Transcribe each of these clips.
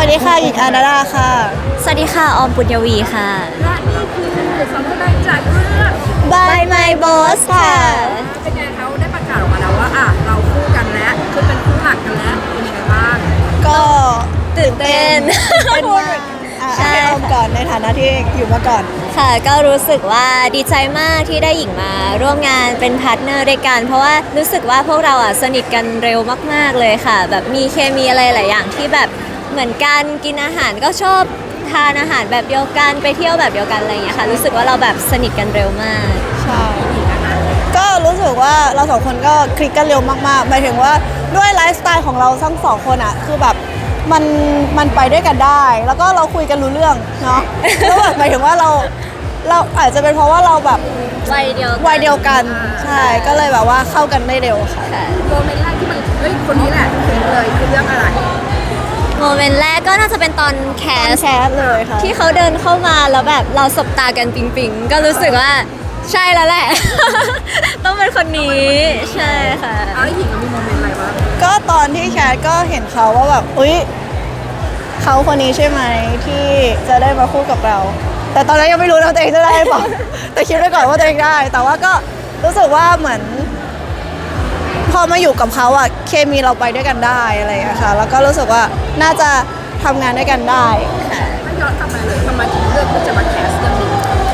วัสดีค่ะหญิงอานาดาค่ะสวัสดีค่ะออมปุญญวีค่ะและนี่คือสำนักงานจากเรื่อง By My Boss ค่ะเป็นไงเขาได้ประกาศออกมาแล้วว่าเราคู่กันแล้วคือเป็นคู่หลักกันแล้วเป็นยังไงบ้างก็ตื่นเต้นเป็นมากให้ออมก่อนในฐานะที่อยู่มาก่อนค่ะก็รู้สึกว่าดีใจมากที่ได้หญิงมาร่วมงานเป็นพาร์ทเนอร์ด้วยกันเพราะว่ารู้สึกว่าพวกเราสนิทกันเร็วมากๆเลยค่ะแบบมีเคมีอะไรหลายอย่างที่แบบเหมือนกันกินอาหารก็ชอบทานอาหารแบบเดียวกันไปเที่ยวแบบเดียวกันอะไรอย่างเงี้ยค่ะรู้สึกว่าเราแบบสนิทกันเร็วมากใช่ก็รู้สึกว่าเราสองคนก็คลิกกันเร็วมากๆหมายถึงว่าด้วยไลฟ์สไตล์ของเราทั้งสองคนคือแบบมันไปด้วยกันได้ แล้วก็เราคุยกันรู้เรื่องเนาะแล้วแบบหมายถึงว่าเราอาจจะเป็นเพราะว่าเราแบบวัยเดียวกันใช่ก็เลยแบบว่าเข้ากันได้เร็วค่ะโมเมนต์แรกที่มันคนนี้แหละถึงเลยคือเรื่องอะไรโมเมนต์แรกก็น่าจะเป็นตอนแคสเลยค่ะที่เขาเดินเข้ามาแล้วแบบเราสบตากันปิงก็รู้สึกว่าใช่แล้วแหละ ต้องเป็นคนนี้ใช่ค่ะหญิงมีโมเมนต์อะไรบ้างก็ตอนที่แคทก็เห็นเขาว่าแบบอุ๊ยเขาคนนี้ใช่ไหมที่จะได้มาคู่กับเราแต่ตอนนั้นยังไม่รู้นะตัวเองจะได้เปล่าแต่คิดไว้ก่อนว่าตัวเองได้แต่ว่าก็รู้สึกว่าเหมือนพอมาอยู่กับเขาเคมีเราไปด้วยกันได้อะไรอย่างเงี้ยค่ะแล้วก็รู้สึกว่าน่าจะทำงานด้วยกันได้ถ้าย้อนกลับมาเลยทำไมถึงเลือกที่จะมาแคสเรื่องนี้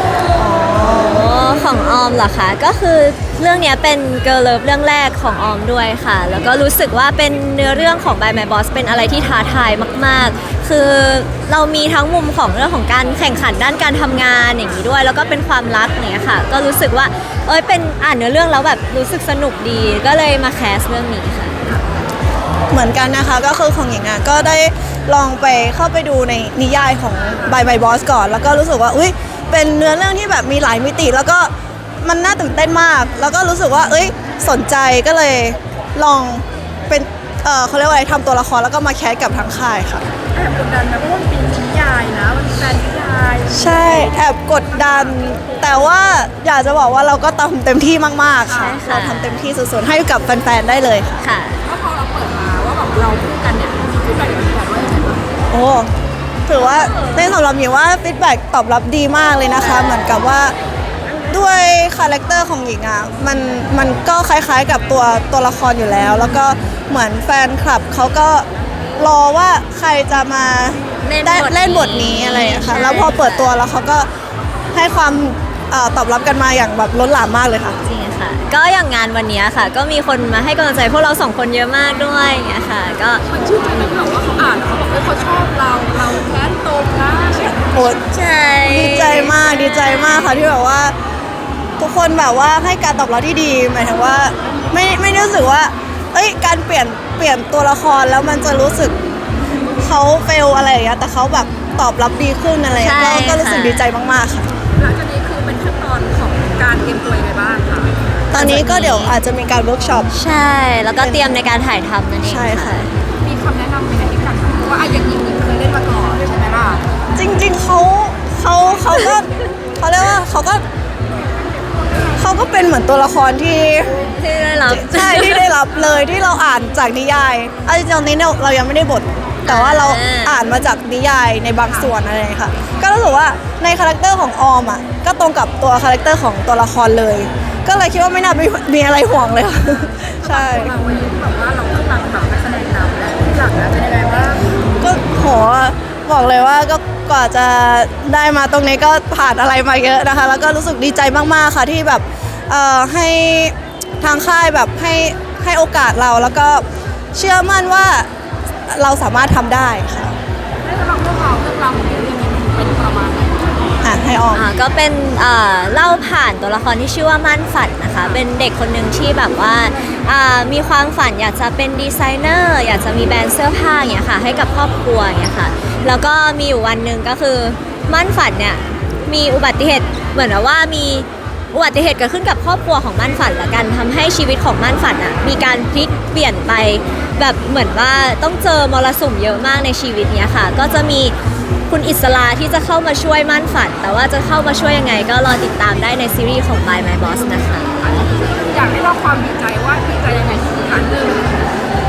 ของออมเหรอคะก็คือเรื่องนี้เป็นเกิร์ลเลิฟเรื่องแรกของออมด้วยค่ะแล้วก็รู้สึกว่าเป็นเนื้อเรื่องของ By My Boss เป็นอะไรที่ท้าทายมากๆคือเรามีทั้งมุมของเรื่องของการแข่งขันด้านการทำงานอย่างนี้ด้วยแล้วก็เป็นความรักเนี่ยค่ะก็รู้สึกว่าเป็นอ่านเนื้อเรื่องแล้วแบบรู้สึกสนุกดีก็เลยมาแคสเรื่องนี้ค่ะเหมือนกันนะคะก็คือของหญิงก็ได้ลองไปเข้าไปดูในนิยายของ By My Boss ก่อนแล้วก็รู้สึกว่าเป็นเนื้อเรื่องที่แบบมีหลายมิติแล้วก็มันน่าตื่นเต้นมากแล้วก็รู้สึกว่าสนใจก็เลยลองเป็นเขาเรียกว่าอะไรทำตัวละครแล้วก็มาแคสกับทางค่ายค่ะแอบกดดันนะเพราะว่ามันเป็นนิยายนะมันเป็นแฟนนิยายใช่แอบกดดันแต่ว่าอยากจะบอกว่าเราก็ทำเต็มที่มากๆค่ะเราทำเต็มที่สุดๆให้กับแฟนๆได้เลยค่ะก็พอเราเปิดมาว่าแบบเราคู่กันเนี่ยฟีดแบ็กเป็นแบบว่ายังไงบ้างโอ้ถือว่าในสำหรับหญิงว่าฟีดแบ็กตอบรับดีมากเลยนะคะเหมือนกับว่าด้วยคาแรคเตอร์ของหญิงมันก็คล้ายๆกับตัวละครอยู่แล้วแล้วก็เหมือนแฟนคลับเขาก็รอว่าใครจะมาเล่นบทนี้อะไรอย่างเงี้ยค่ะแล้วพอเปิดตัวแล้วเขาก็ให้ความตอบรับกันมาอย่างแบบล้นหลามมากเลยค่ะจริงค่ะก็อย่างงานวันนี้ค่ะก็มีคนมาให้กำลังใจพวกเราสองคนเยอะมากด้วยอย่างเงี้ยค่ะก็มันชื่นใจไหมแบบว่าเขาอ่านเขาบอกเขาชอบเราแค้นตรงนะโอ้ใช่ดีใจมากค่ะที่แบบว่าทุกคนแบบว่าให้การตอบรับที่ดีหมายถึงว่าไม่รู้สึกว่าการเปลี่ยนตัวละครแล้วมันจะรู้สึกเขาเฟลอะไรอย่างเงี้ยแต่เขาแบบตอบรับดีขึ้นอะไรอย่างเงี้ยก็รู้สึกดีใจมากๆค่ะหลังจากนี้คือเป็นขั้นตอนของการเตรียมตัวยังไงบ้างคะตอนนี้ก็เดี๋ยวอาจจะมีการเวิร์กช็อปใช่แล้วก็เตรียมในการถ่ายทำนั่นเองใช่ค่ะมีคำแนะนำไหมคะที่กันว่าอย่างหญิงเคยเล่นมาก่อนใช่ไหมล่ะจริงๆเขาก็เขาเรียกว่าเขาก็เป็นเหมือนตัวละครที่ได้รับใช่ที่ได้รับเลยที่เราอ่านจากนิยายจริงๆตอนนี้เรายังไม่ได้บทแต่ว่าเราอ่านมาจากนิยายในบางส่วนอะไรค่ะก็รู้สึกว่าในคาแรคเตอร์ของออมก็ตรงกับตัวคาแรคเตอร์ของตัวละครเลยก็เลยคิดว่าไม่น่ามีอะไรห่วงเลยค่ะใช่เราวันนี้แบบว่าเรากำลังแบบนักแสดงนำและที่หลังเป็นยังไงบ้างก็โหบอกเลยว่าก็กว่าจะได้มาตรงนี้ก็ผ่านอะไรมาเยอะนะคะแล้วก็รู้สึกดีใจมากๆค่ะที่แบบให้ทางค่ายแบบให้โอกาสเราแล้วก็เชื่อมั่นว่าเราสามารถทำได้ค่ะให้เราเรื่องราวของเรื่องนี้เป็นประมาณไหนให้ออกก็เป็นเล่าผ่านตัวละครที่ชื่อว่ามั่นฝันนะคะเป็นเด็กคนหนึ่งที่แบบว่ามีความฝันอยากจะเป็นดีไซเนอร์อยากจะมีแบรนด์เสื้อผ้าอย่างเงี้ยค่ะให้กับครอบครัวอย่างเงี้ยค่ะแล้วก็มีอยู่วันหนึ่งก็คือมั่นฝันเนี่ยมีอุบัติเหตุเหมือนว่ามีอุบัติเหตุเกิดขึ้นกับครอบครัวของมั่นฝันละกันทำให้ชีวิตของมั่นฝันมีการพลิกเปลี่ยนไปแบบเหมือนว่าต้องเจอมรสุมเยอะมากในชีวิตเนี้ยค่ะก็จะมีคุณอิสลาที่จะเข้ามาช่วยมั่นฝันแต่ว่าจะเข้ามาช่วยยังไงก็รอติดตามได้ในซีรีส์ของ By My Boss นะคะอยากให้เราความดีใจว่าดีใจยังไงทุกครั้งเลย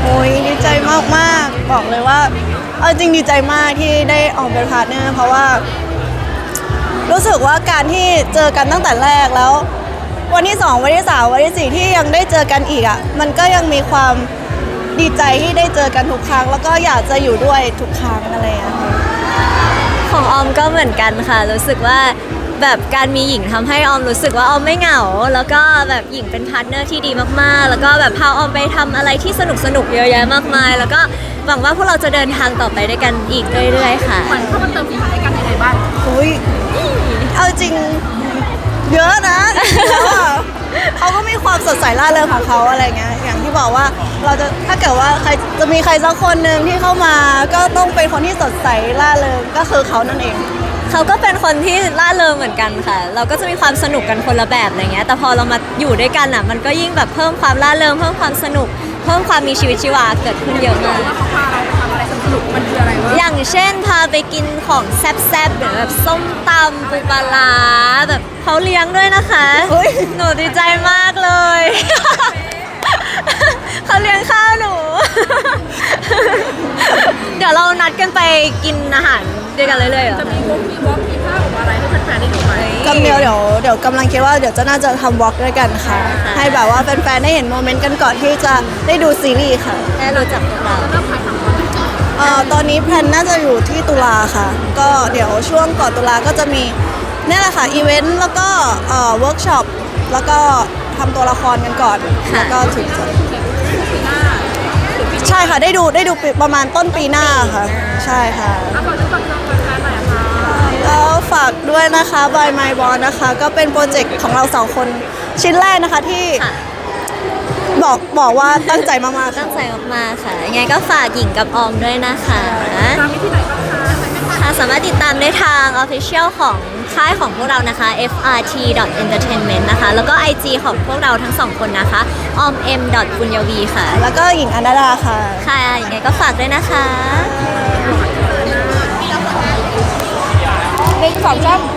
โอ้ยดีใจมากๆบอกเลยว่าเอาจริงดีใจมากที่ได้ออกเป็นพาร์ทเนอร์เพราะว่า รู้สึกว่าการที่เจอกันตั้งแต่แรกแล้ว วันที่ 2 วันที่ 3 วันที่ 4 ที่ยังได้เจอกันอีกอ่ะมันก็ยังมีความดีใจที่ได้เจอกันทุกครั้ง แล้วก็อยากจะอยู่ด้วยทุกครั้งอะไรอย่างเงี้ยค่ะของออมก็เหมือนกันค่ะ รู้สึกว่าแบบการมีหญิงทำให้ออมรู้สึกว่าออมไม่เหงา แล้วก็แบบหญิงเป็นพาร์ทเนอร์ที่ดีมากๆ แล้วก็แบบพาออมไปทำอะไรที่สนุกๆเยอะแยะมากมาย แล้วก็หวังว่าพวกเราจะเดินทางต่อไปด้วยกันอีกเรื่อยๆค่ะเหมือนเข้ามาเติมสีสันให้กันยังไงบ้างอุ้ยเอาจริงเยอะนะแล้วอะเขาก็มีความสดใสร่าเริงของเขาอะไรเงี้ยอย่างที่บอกว่าเราจะถ้าเกิดว่าใครจะมีใครสักคนหนึ่งที่เข้ามาก็ต้องเป็นคนที่สดใสร่าเริงก็คือเขานั่นเองเขาก็เป็นคนที่ร่าเริงเหมือนกันค่ะ เราก็จะมีความสนุกกันคนละแบบอะไรเงี้ย แต่พอเรามาอยู่ด้วยกันอ่ะ มันก็ยิ่งแบบเพิ่มความร่าเริง เพิ่มความสนุก เพิ่มความมีชีวิตชีวาเกิดขึ้นเยอะมากว่าเขาพาเราไปทำอะไรสนุกๆมันคืออะไรวะอย่างเช่นพาไปกินของแซ่บๆแบบส้มตำปูปลาร้าแบบเขาเลี้ยงด้วยนะคะเฮ้ยหนูดีใจมากเลย เขาเลี้ยงข้าวหนู เดี๋ยวเรานัดกันไปกินอาหารด้วยกันเรื่อยๆเหรอจะมีวงมีวอล์กมีภาพออกมาอะไรให้แฟนๆได้ดูไหมกำเดียวเดี๋ยวกำลังคิดว่าเดี๋ยวจะน่าจะทำวอล์กด้วยกันค่ะ ให้แบบว่าแฟนๆได้เห็นโมเมนต์กันก่อนที่จะได้ดูซีรีส์ค่ะได้รู้จักพวกเราเริ่มถ่ายทำตอนไหนตอนนี้แพลนน่าจะอยู่ที่ตุลาค่ะ ก็เดี๋ยวช่วงก่อนตุลาก็จะมีเนี่ยแหละค่ะอีเวนต์แล้วก็เวิร์กช็อปแล้วก็ทำตัวละครกันก่อน แล้วก็ถึงจะปีหน้าใช่ค่ะได้ดูปีประมาณต้นปีหน้าค่ะ ใช่ค่ะเอาก่อนจะฟังเพลงแฟนๆหน่อยค่ะแล้วฝากด้วยนะคะ by my boss นะคะ ก็เป็นโปรเจกต์ของเราสองคนชิ้นแรกนะคะที่ค่ะบอกว่าตั้งใจมากๆตั้ค่ะงใจมากๆค่ะ ยังไงก็ฝากหญิงกับออมด้วยนะคะตามไปที่ไหนบ้างคะค่ะสามารถติดตามได้ทาง Official ของค่ายของพวกเรานะคะ frt.entertainment นะคะ แล้วก็ IG ของพวกเราทั้งสองคนนะคะ om.punyavi ค่ะแล้วก็หญิงอนันดาค่ะค่ะยังไงก็ฝากด้วยนะคะ 1 2 3